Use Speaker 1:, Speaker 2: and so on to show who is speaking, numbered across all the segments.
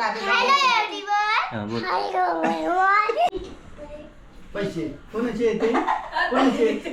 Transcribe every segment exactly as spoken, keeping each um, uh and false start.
Speaker 1: Hello everyone. Hello everyone.
Speaker 2: पैसे कोणाचे येते कोणाचे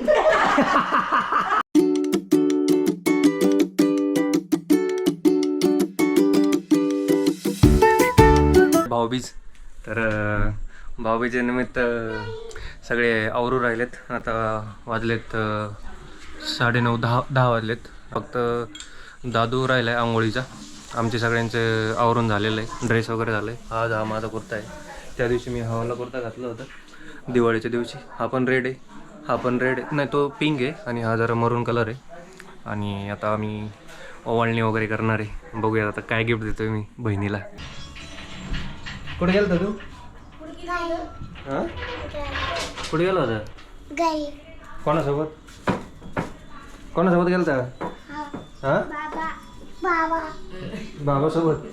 Speaker 3: भाऊबीज. तर भाऊबीजे निमित्त सगळे आवरू राहिलेत. आता वाजलेत साडेनऊ दहा दहा वाजलेत. फक्त दादू राहिला आहे आंघोळीचा. आमचे सगळ्यांचे आवरून झालेलं आहे. ड्रेस वगैरे झालं आहे. आज हा माझा कुर्ता आहे. त्या दिवशी मी हवाला कुर्ता घातला होता दिवाळीच्या दिवशी. हा पण रेड आहे. हा पण रेड आहे नाही तो पिंक आहे आणि हा जरा मरून कलर आहे. आणि आता आम्ही ओवाळणी वगैरे करणार आहे. बघूया आता काय गिफ्ट देतोय मी बहिणीला. कुठे गेला तू? हां कुठे गेला होता?
Speaker 1: गाई.
Speaker 3: कोणासोबत कोणासोबत गेला होता? हां
Speaker 1: बाबा बाबा
Speaker 3: बाबासोबत.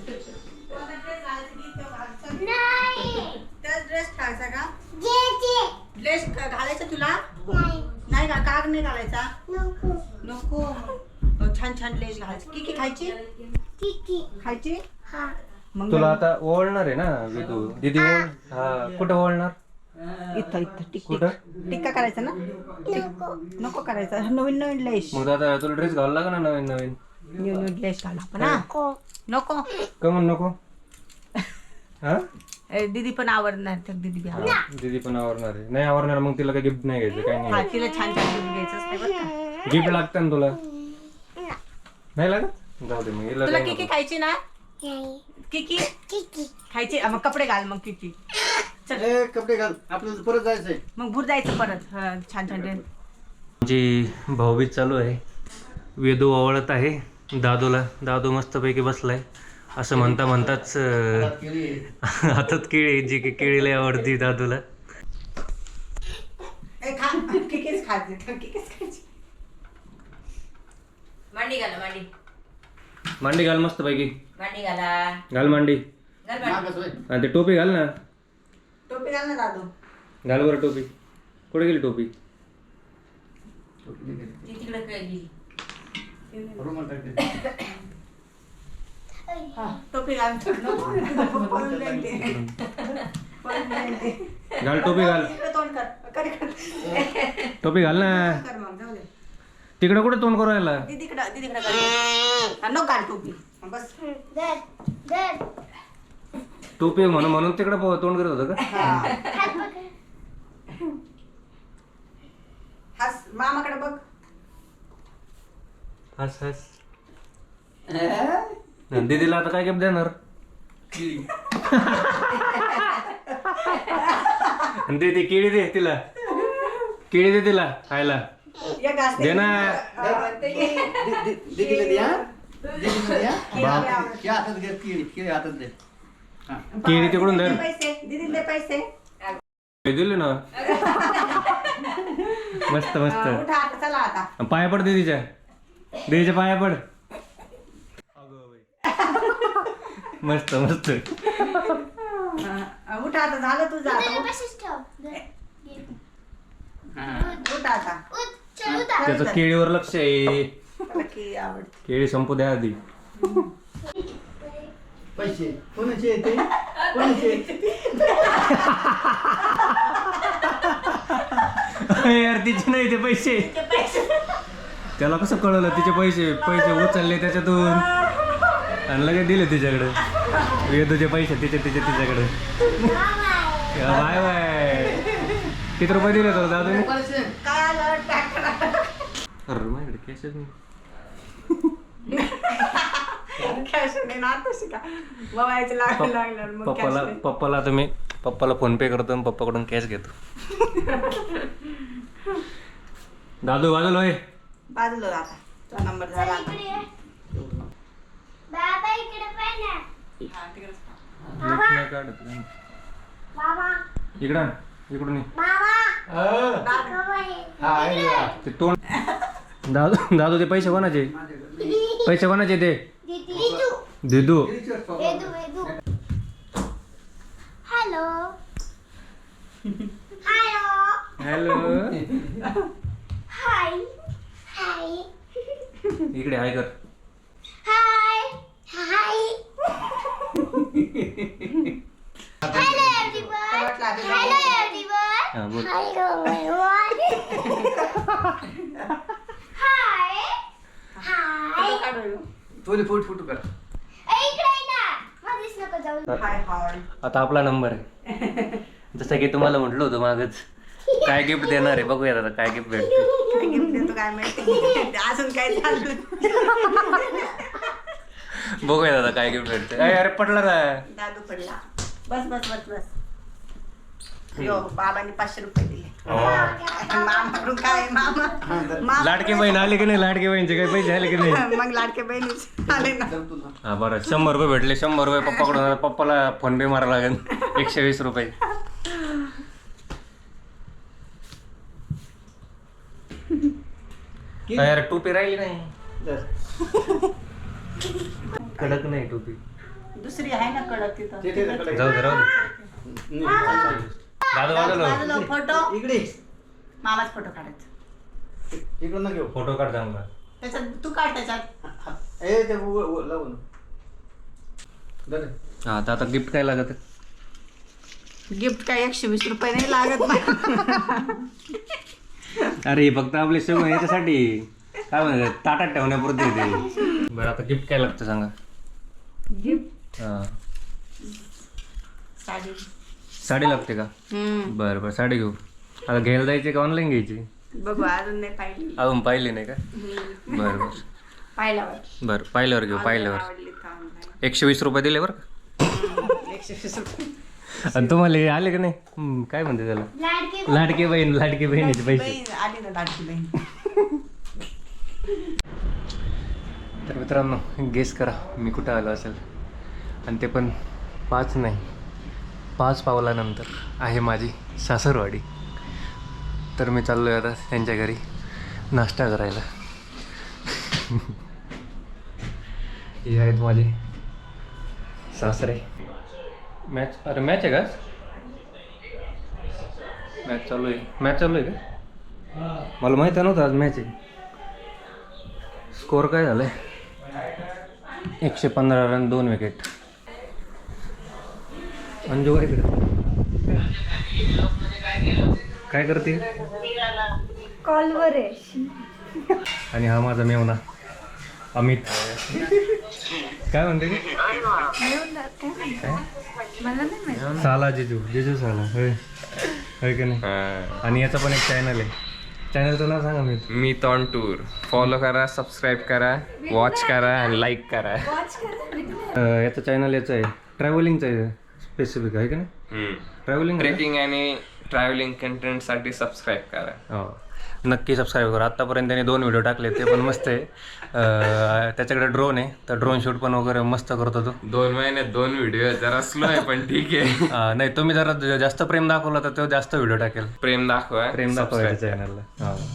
Speaker 1: नाही
Speaker 4: त्याच ड्रेस घालायचा का?
Speaker 1: जे जे
Speaker 4: ड्रेस घालायचा तुला
Speaker 1: नाही
Speaker 4: नाही का? काग नाही घालायचा
Speaker 1: नको
Speaker 4: नको. अहो, छान छान ड्रेस घालायची. की की खायची
Speaker 1: किती
Speaker 4: खायची
Speaker 1: हा
Speaker 4: मग
Speaker 3: तुला आता ओळणार आहे ना तू दीदी ओळ. हा कुठं ओळणार?
Speaker 4: इथं इथं टिक
Speaker 3: कुठं?
Speaker 4: टिक्का करायचा ना?
Speaker 1: नको
Speaker 4: नको करायचा. नवीन नवीन लेस
Speaker 3: मग आता तुला ड्रेस घालायला लागा ना नवीन नवीन.
Speaker 4: न्यू न्यू ड्रेस घाला पण हा.
Speaker 1: नको
Speaker 4: नको
Speaker 3: का म्हण नको? हा
Speaker 4: ए, दीदी पण आवडणार तर दीदी बी आवडणार.
Speaker 3: दीदी पण आवरणार आहे. नाही आवरणार मग तिला काही गिफ्ट नाही घ्यायचं काही
Speaker 4: हा
Speaker 3: नाही.
Speaker 4: तिला छान छान गिफ्ट घ्यायचं असते बरं का.
Speaker 3: गिफ्ट लागतं ना तुला? नाही लागत? जाऊ दे मग हिला
Speaker 4: तुला
Speaker 3: काही
Speaker 4: किकी
Speaker 3: नको.
Speaker 4: खायची ना?
Speaker 1: नाही
Speaker 4: किकी
Speaker 1: किती
Speaker 4: खायची मग कपडे घाल मग किकी.
Speaker 2: ए, कपडे घाल आपल्याला परत जायचंय.
Speaker 4: मग भूर जायचं परत. हा, छान छान ड्रेस.
Speaker 3: जी भाऊबीज चालू आहे. वेदू आवळत आहे दादूला. दादू मस्तपैकी बसलाय. असं म्हणता म्हणताच अं, हातात केळी जी की केळी लय आवडती दादूला.
Speaker 4: ए, खा किकीच खायची किकीच खायची. मांडी घाला मांडी
Speaker 3: मांडी घाल मस्तपैकी.
Speaker 4: मांडी घाला
Speaker 3: घाल मांडी.
Speaker 4: घाल मांडी.
Speaker 2: मागच होय.
Speaker 3: आणि ते टोपी घाल ना.
Speaker 4: टोपी घाल ना दादू.
Speaker 3: घाल बरं टोपी. कुठे गेली टोपी?
Speaker 4: ती तिकडे गेली.
Speaker 2: रुमाल टाक दे.
Speaker 4: हा, टोपी घाल. नको, पळून जाईल ते. पळून जाईल ते.
Speaker 3: घाल टोपी घाल.
Speaker 4: इकडे तोंड कर. कर इकडे.
Speaker 3: टोपी घाल ना.
Speaker 4: कर मग जाऊ दे.
Speaker 3: तिकडे कुठे तोंड करू राहिला?
Speaker 4: दीदीकडं दीदीकडं कर. हा, नको घाल टोपी. हा, बस.
Speaker 1: दर दर
Speaker 3: टोपी म्हणून म्हणून तिकडे तोंड करत होतं का?
Speaker 4: हा.
Speaker 1: हात पकड.
Speaker 4: हस मामाकडे बघ.
Speaker 3: हस हस. दीदीला आता काय गिफ्ट देणार? दीदी केळी दे तिला. केळी दे तिला खायला.
Speaker 4: या घास
Speaker 3: दे ना.
Speaker 2: दि- दि- दीदीला द्या दीदीला द्या.
Speaker 3: बाप.
Speaker 2: घ्या हातात घ्या केळी केळी हातात दे. हा.
Speaker 3: केळी तिकडून धर.
Speaker 4: पैसे दीदी दे पैसे.
Speaker 3: दिले ना. मस्त
Speaker 4: हा,
Speaker 3: मस्त.
Speaker 4: उठा आता चला आता.
Speaker 3: पाया पड दीदीच्या. दीदीच्या पाया पड. मस्त मस्त.
Speaker 4: हा, उठा आता झालं तुझं
Speaker 1: त्याला
Speaker 4: आता.
Speaker 1: बसच ठेव. दर.
Speaker 2: हा.
Speaker 4: उठा आता.
Speaker 1: उठ चल उठा.
Speaker 3: त्याचं केळीवर लक्ष आहे.
Speaker 4: त्याला की आवडते.
Speaker 3: केळी संपू द्या आधी.
Speaker 2: पैसे कोणाचे येते कोणाचे
Speaker 3: यार तिचे नाही ते पैसे. त्याला कसं कळलं तिचे पैसे पैसे उचलले त्याच्यातून आणि लगेच दिले तिच्याकडे. वेदूचे पैसे तिचे तिचे तिच्याकडे. Bye bye. किती रुपये दिले तर दादू?
Speaker 4: काय आलं टाक करा.
Speaker 3: अरे माझ्याकडे कॅशच नाही.
Speaker 4: कॅश नाही ना आता शिका. बघायचं लागलं लागलं मग
Speaker 3: पप्पाला
Speaker 4: कॅश
Speaker 3: पप्पाला आता मी पप्पाला फोन पे करतो आणि पप्पाकडून कॅश घेतो. दादू वाजल होय.
Speaker 4: बाजूला आता. तो नंबर झाला आता.
Speaker 1: इकडे ये. बाबा इकडे पाय ना.
Speaker 4: हा, तिकडेच.
Speaker 3: नीट नाही काढत.
Speaker 1: बाबा
Speaker 3: इकडं आण. इकडून ये.
Speaker 1: बाबा बाबा
Speaker 2: हा आहे ना.
Speaker 3: ते तोंड दादू दादू ते पैसे कोणाचे? पैसे कोणाचे ते?
Speaker 1: दीदू
Speaker 3: दिदू.
Speaker 1: Vedu Vedu. Hello hello
Speaker 3: hello.
Speaker 1: Hi hi
Speaker 3: इकडे हाय कर.
Speaker 1: Hi hi hello everyone hello everyone
Speaker 3: हा बोल.
Speaker 1: हॅलो हाय हाय
Speaker 2: तुले फोटो फोटो कर.
Speaker 1: इकडे ये ना मध्येच नको जाऊ.
Speaker 4: हाय हाय.
Speaker 3: आता आपला नंबर आहे. जसं की तुम्हाला म्हटलं होतं मागच काय गिफ्ट देणार आहे बघूयात आता काय गिफ्ट भेटते.
Speaker 4: काय गिफ्ट देतो काय माहिती. अजून काय चाललं.
Speaker 3: बघूयात आता काय गिफ्ट भेटते. अरे अरे पडला ना.
Speaker 4: दादू पडला. बस बस बस बस. यो बाबांनी पाचशे रुपये दिले. मामाकडून काय मामा मामा-
Speaker 3: लाडकी बहीण आली की नाही? लाडकी बहीणचे काही पैसे आले की नाही?
Speaker 4: मग लाडके बहिणीच आले ना.
Speaker 3: हा बरं शंभर रुपये भेटले. शंभर रुपये पप्पाकडून. पप्पाला फोन पे मारा लागेल एकशे वीस रुपये. यार टोपी राहिली नाही. कडक नाही टोपी.
Speaker 4: दुसरी आहे ना कडक तिथं.
Speaker 3: जाऊ दे राहू दे. दादा बाजूला
Speaker 4: बाजूला फोटो
Speaker 2: इकडे
Speaker 4: मामाच फोटो काढायचा.
Speaker 2: इकडून ना घेऊ.
Speaker 3: फोटो काढ चांगला.
Speaker 4: त्याच्यात तू काढ त्याच्यात.
Speaker 2: ए ते उ- उ- लावून दे.
Speaker 3: हा आता आता गिफ्ट काय लागत?
Speaker 4: गिफ्ट काय एकशे वीस रुपये नाही लागत नाही.
Speaker 3: अरे फक्त आपले सगळं याच्यासाठी काय म्हणतात ताटात ठेवण्यापुरते ते. बरं आता गिफ्ट काय लागतं सांगा.
Speaker 4: गिफ्ट
Speaker 3: हा
Speaker 4: साडी.
Speaker 3: साडी लागते का?
Speaker 4: हम्म
Speaker 3: बरं बरं साडी घेऊ. आता घ्यायला जायची का ऑनलाईन घ्यायची?
Speaker 4: बघू अजून नाही पाहिली.
Speaker 3: अजून पाहिली नाही का? बरं बरं
Speaker 4: पाहिल्यावर
Speaker 3: बरं पाहिल्यावर घेऊ. पाहिल्यावर
Speaker 4: आवडली तर online.
Speaker 3: एकशे वीस रुपये दिले बरं का?
Speaker 4: हम्म, एकशे वीस रुपये.
Speaker 3: आणि तुम्हाला हे आले का नाही? हम्म, काय म्हणते त्याला?
Speaker 1: लाडके
Speaker 3: लाडकी बहीण लाडकी बहिणीचे पैसे.
Speaker 4: बहीण आली ना लाडकी बहीण.
Speaker 3: तर मित्रांनो गेस करा मी कुठं आलो असेल. आणि ते पण पाच नाही पाच पावलानंतर आहे माझी सासरवाडी. तर मी चाललो आहे आता त्यांच्या घरी नाश्ता करायला. हे आहेत माझे सासरे. मॅच अरे मॅच आहे का? मॅच चालू आहे. मॅच चालू आहे का? मला माहिती नव्हतं आज मॅच आहे. स्कोअर काय झालं आहे? एकशे पंधरा रन दोन विकेट. अंजू काय करते? काय करते?
Speaker 1: कॉलवर आहे.
Speaker 3: आणि हा माझा मेवना अमित. काय म्हणते की? साला जिजू जिजू साला होय होय की नाही? आणि याचा पण एक चॅनल आहे. चॅनलचं नाव सांगा मी.
Speaker 5: Meet on tour. फॉलो करा, सबस्क्राईब करा, वॉच करा आणि लाईक करा.
Speaker 3: याचं चॅनल याचं आहे ट्रॅव्हलिंगचं आहे स्पेसिफिक आहे की नाही? ट्रॅव्हलिंग
Speaker 5: ट्रेकिंग आणि ट्रॅव्हलिंग कंटेंटसाठी सबस्क्राईब करा.
Speaker 3: हो नक्की सबस्क्राईब करा. आत्तापर्यंत त्याने दोन व्हिडिओ टाकले ते पण मस्त आहे. अं, त्याच्याकडे ड्रोन आहे तर ड्रोन शूट पण वगैरे मस्त करतो तो.
Speaker 5: दोन महिन्यात दोन व्हिडिओ जरा स्लो आहे पण ठीक आहे.
Speaker 3: अं, नाही तुम्ही जरा ज- जास्त प्रेम दाखवला तर तो जास्त व्हिडिओ टाकेल.
Speaker 5: प्रेम दाखवा.
Speaker 3: प्रेम दाखवायचं
Speaker 5: subscribe करा.
Speaker 3: चॅनलला. हो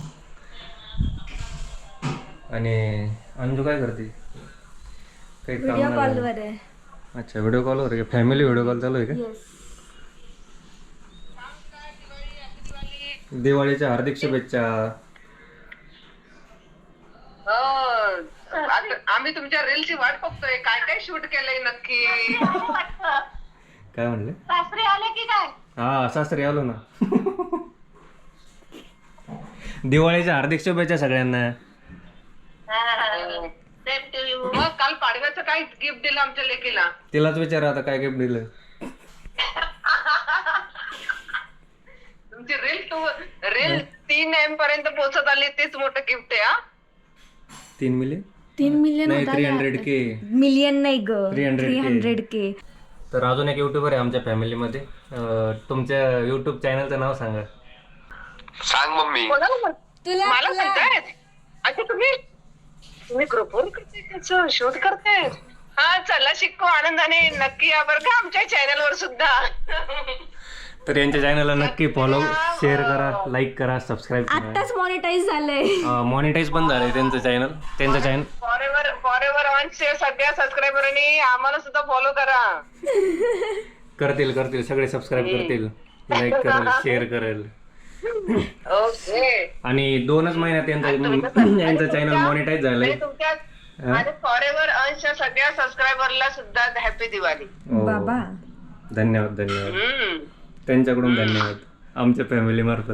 Speaker 3: आणि अंजू काय करते? काही काम
Speaker 1: व्हिडिओ
Speaker 3: नाही.
Speaker 1: कॉलवर आहे.
Speaker 3: अच्छा व्हिडिओ कॉलवर आहे का? फॅमिली व्हिडिओ कॉल चालू आहे का?
Speaker 1: येस.
Speaker 3: दिवाळीच्या हार्दिक शुभेच्छा.
Speaker 6: आम्ही तुमच्या रीलची वाट बघतोय. काय काय शूट केलंय नक्की?
Speaker 3: काय म्हणले?
Speaker 1: सासरे आले की काय?
Speaker 3: हा सासरी आलो ना. दिवाळीच्या हार्दिक शुभेच्छा सगळ्यांना.
Speaker 6: मग काल पाडव्याचं काय गिफ्ट दिलं आमच्या लेकीला?
Speaker 3: तिलाच विचारा आता काय गिफ्ट दिलं.
Speaker 6: तुमची रील टू रील तीन एम पर्यंत पोहोचत आली तेच मोठं गिफ्ट आहे. हा
Speaker 3: तीन मिलियन
Speaker 1: तीन मिलियन
Speaker 3: नाही थ्री हंड्रेड के.
Speaker 1: मिलियन नाही ग.
Speaker 3: Three hundred
Speaker 1: three
Speaker 3: K.
Speaker 1: Hundred K.
Speaker 3: तर अजून एक युट्यूबर आहे आमच्या फॅमिलीमध्ये. अं, तुमच्या युट्यूब चॅनलचं नाव सांगा.
Speaker 6: कोणाला म्हण-
Speaker 1: तुला
Speaker 6: मला म्हणतायत? अच्छा तुम्ही तुम्ही ग्रुपवर करताय त्याचं शूट करताय? हा चला शिकू आनंदाने. नक्की या बरं का आमच्या चॅनल वर सुद्धा.
Speaker 3: तर यांच्या चॅनलला नक्की फॉलो शेअर करा लाईक करा सबस्क्राईब करा.
Speaker 1: आत्ताच मॉनिटाईज झालंय.
Speaker 3: मॉनिटाईज पण झालंय त्यांचं चॅनल. त्यांचं चॅनल
Speaker 6: फॉरेवर फॉरेवर ऑनचे सगळ्या सबस्क्रायबरांनी आम्हाला सुद्धा फॉलो करा.
Speaker 3: करतील करतील सगळे सबस्क्राईब करतील लाईक करेल शेअर करेल.
Speaker 6: ओके.
Speaker 3: आणि दोनच महिन्यात यांचा यांचं चॅनल मॉनिटाईज झालंय.
Speaker 6: आणि तुमच्या आणि फॉरेवर अंशच्या सगळ्या सबस्क्रायबरला सुद्धा हॅपी दिवाळी.
Speaker 3: हो.
Speaker 1: बाबा
Speaker 3: धन्यवाद धन्यवाद
Speaker 6: हम्म.
Speaker 3: त्यांच्याकडून धन्यवाद आमच्या फॅमिली मार्फत.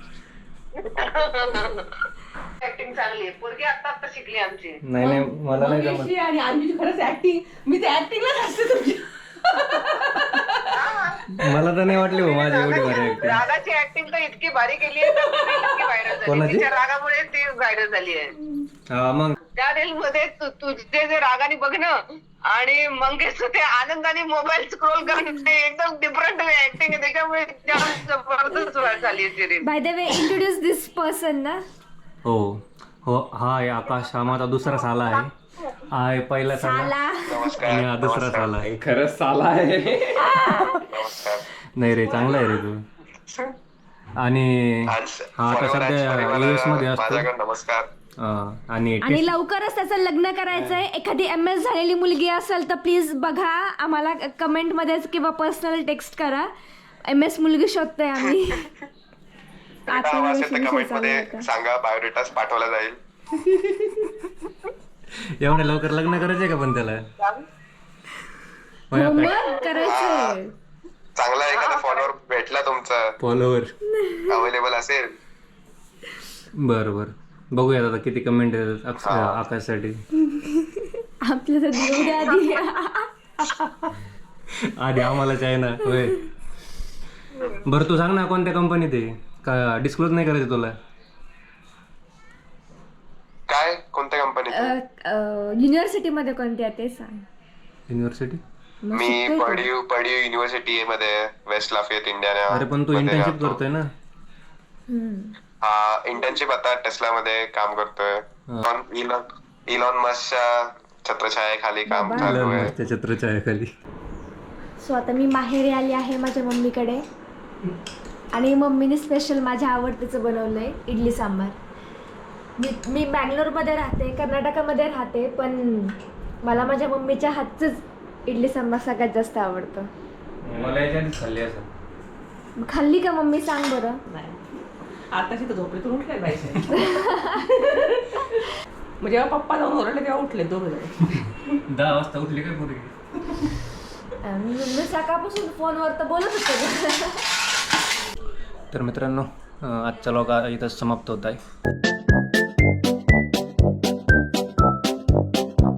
Speaker 6: ऍक्टिंग चांगली आहे. पोरगी आता आता शिकली आमची.
Speaker 3: नाही नाही मला नाही जमत.
Speaker 4: मंगेशची आणि अन्वीची खरंच ऍक्टिंग, मी ते ऍक्टिंगलाच असते तुमची.
Speaker 3: मला तर नाही वाटली हो माझी एवढी भारी ऍक्टिंग.
Speaker 6: रागाची ऍक्टिंग तर इतकी भारी केली आहे तर ती इतकी व्हायरल झाली.
Speaker 3: कोणाची?
Speaker 6: तिच्या रागामुळे ती व्हायरल झाली आहे.
Speaker 3: हा मग
Speaker 6: त्या रील मध्ये तु- तुझे जे रागाने बघणं आणि मंगेश ते आनंदाने मोबाईल स्क्रोल करणं ते एकदम डिफरंट ऍक्टिंग आहे. त्याच्यामुळे जाम जबरदस्त व्हायरल झाली आहे ती reel.
Speaker 1: By the way introduce this person ना.
Speaker 3: हो हो हा आहे आकाश. हा माझा दुसरा साला आहे. हा आहे पहिला साला
Speaker 1: साला
Speaker 3: आणि हा दुसरा साला आहे.
Speaker 5: खरंच साला आहे.
Speaker 3: नाही रे चांगला आहे रे तू. आणि हा आता सध्या युएस मध्ये असतो.
Speaker 7: नमस्कार.
Speaker 3: हा, आणि
Speaker 1: आणि लवकरच त्याचं लग्न करायचंय. एखादी एम एस झालेली मुलगी असेल तर प्लीज बघा, आम्हाला कमेंट मध्ये किंवा पर्सनल टेक्स्ट करा. एम एस मुलगी शोधतोय आम्ही.
Speaker 7: काम असेल तर कमेंट मध्ये सांगा, बायोडेटाच पाठवला जाईल.
Speaker 3: एवढ्या लवकर लग्न करायचंय का पण त्याला? होय,
Speaker 1: मग
Speaker 3: आकाश.
Speaker 1: करायचंय.
Speaker 7: चांगला एखादा फॉलोअर भेटला तुमचा
Speaker 3: फॉलोवर
Speaker 7: अवेलेबल असेल.
Speaker 3: बर बर बघूयात आता किती कमेंट येतात अक्ष- आकाशसाठी.
Speaker 1: आपल्याला देऊ द्या आधी.
Speaker 3: आधी आम्हालाच आहे ना. होय बरं तू सांग ना कोणत्या कंपनीत आहे का? डिस्क्लोज नाही करायचं तुला?
Speaker 7: काय कोणत्या कंपनीत?
Speaker 1: युनिव्हर्सिटी मध्ये कोणती आहे ते सांग.
Speaker 3: युनिव्हर्सिटी?
Speaker 7: मी पडिव पडिव युनिव्हर्सिटी मध्ये वेस्ट लाफियत इंडिया.
Speaker 3: अरे पण तू इंटर्नशिप करतोय ना?
Speaker 7: हा इंटर्नशिप आता टेस्ला मध्ये काम करतोय. इलॉन इलॉन मस्कच्या छत्रछायाखाली काम चालू आहे.
Speaker 3: त्या छत्राच्या आहे खाली.
Speaker 1: सो आता मी माहेरी आली आहे माझ्या मम्मीकडे आणि मम्मीने स्पेशल माझ्या आवडतीचं बनवलंय इडली सांबार. मी मी बँगलोरमध्ये राहते, कर्नाटकामध्ये राहते, पण मला माझ्या मम्मीच्या हातचंच इडली सांबार सगळ्यात जास्त आवडतं.
Speaker 3: मला याच्या आधीच खाल्ली असं.
Speaker 1: खाल्ली का मम्मी सांग बरं.
Speaker 4: नाही आताशी तर झोपेतून उठले पाहिजे. मग जेव्हा पप्पा जाऊन ओरडले तेव्हा उठले दोघं जण.
Speaker 3: दहा वाजता उठली काय पोरगी?
Speaker 1: मी सकाळपासून फोनवर तर बोलत होते.
Speaker 3: तर मित्रांनो आजचा व्लॉग इथं समाप्त होत आहे.